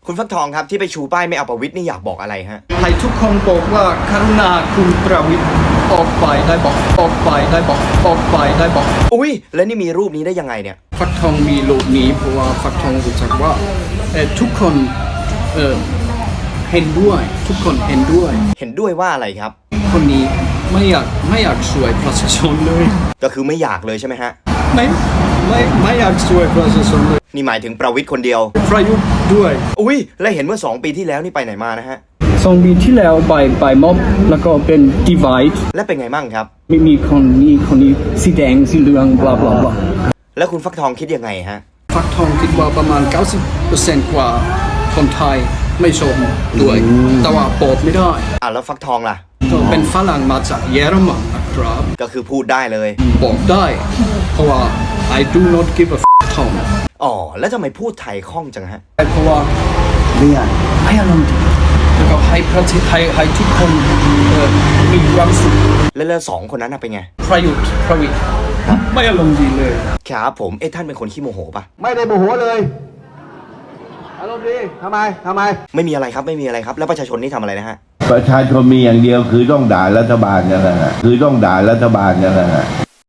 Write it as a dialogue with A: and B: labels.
A: คุณฟักทองครับที่ไปชูป้ายไม่เอาประวิตรนี่อยากบอกอะไรฮะ
B: ให้ทุกคนบอกว่าครุณาคุณประวิตรออกไปได้บอกออกไปได้บอกออกไปได้บอก
A: อุ้ยแล้วนี่มีรูปนี้ได้ยังไงเนี่ย
B: ฟักทองมีรูปนี้เพราะว่าฟักทองรู้จักว่าทุกคนเห็นด้วยทุกคนเห็นด้วย
A: ว่าอะไรครับ
B: คนนี้ไม่อยากช่วยประชาชนเลย
A: ก็คือไม่อยากเลยใช่ไหมฮะ
B: ไม่อยากช่วยประชาชนเลย
A: นี่หมายถึงประวิตรคนเดียว
B: ประยุทธ์ด้วย
A: อุ้ยแล้วเห็นเมื่อ2 ปีที่แล้วนี่ไปไหนมานะฮะ
B: 2 ปีที่แล้วไปม็อบแล้วก็เป็น divide
A: และเป็นไงมั่งครับ
B: มีคนนี้สีแดงสีเหลืองบลาบลาบลา
A: แล้วคุณฟักทองคิดยังไงฮะ
B: ฟักทองคิดว่าประมาณ 90% กว่าคนไทยไม่ชมด้วยแต่ว่าโปรดไม่ได้
A: แล้วฟักทองล่ะ
B: เป็นฝรั่งมาจากเยอรมันนะครับ
A: ก็คือพูดได้เลย
B: บอกได้เพราะว่า I do not give a f o
A: แล้วทำไมพูดไทยคล่องจังฮะ
B: เพราะว่าไม่อารมณ์ดีแล้วก็ให้ประเทศให้ทุกคนมีความสุข
A: แล้ว2 คนนั้นเป็นไง
B: ประวิตรไม่อารมณ์ดีเลย
A: ครับผมท่านเป็นคนขี้โมโหปะ
C: ไม่ได้โมโหเลยอารมณ์ดีทำไม
A: ไม่มีอะไรครับไม่มีอะไรครับแล้วประชาชนนี่ทำอะไรนะฮะ
D: ประชาชนมีอย่างเดียวคือต้องด่ารัฐบาลนั่นแหละคือต้องด่ารัฐบาลนั่นแหละ